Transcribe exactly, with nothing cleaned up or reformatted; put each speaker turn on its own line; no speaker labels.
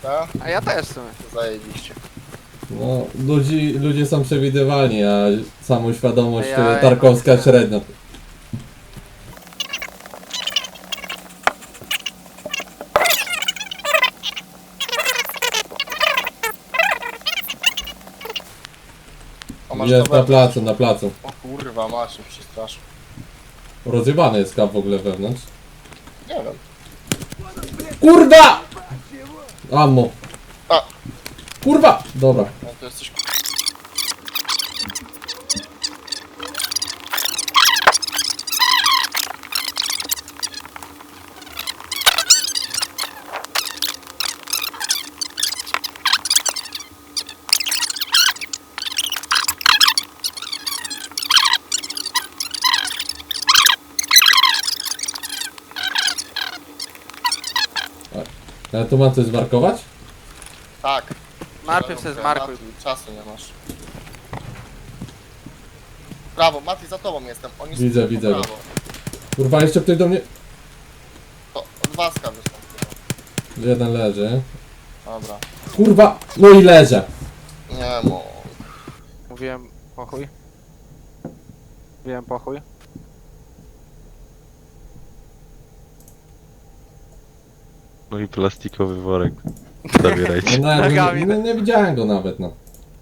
Tak?
A ja też w sumie.
Zajebiście.
No, ludzi, ludzie są przewidywalni, a samoświadomość
Ja-
to
ja
tarkowska
mam-
średnio.
O, masz
Jest
to
na
wewnątrz.
placu, na placu.
O kurwa, masz, się przestraszył.
Rozjebany jest kap w ogóle wewnątrz.
Nie wiem.
Kurwa! Ammo.
A,
Kurwa! Dobra.
no to jesteś...
Ale tu mam coś zmarkować?
Tak.
Najpierw se zmarkuj.
Mati, czasu nie masz. Prawo, Mati, za tobą jestem. Oni
Widzę,
są po
widzę.
prawo.
Kurwa, jeszcze ktoś do mnie...
To od waska wystąpiło.
Jeden leży.
Dobra.
Kurwa! No i leżę.
Nie mo.
Mówiłem pochuj. Mówiłem pochuj.
No i plastikowy worek. Zabierajcie.
No, nawet, nie,
Nogami.
nie, nie widziałem go nawet, no.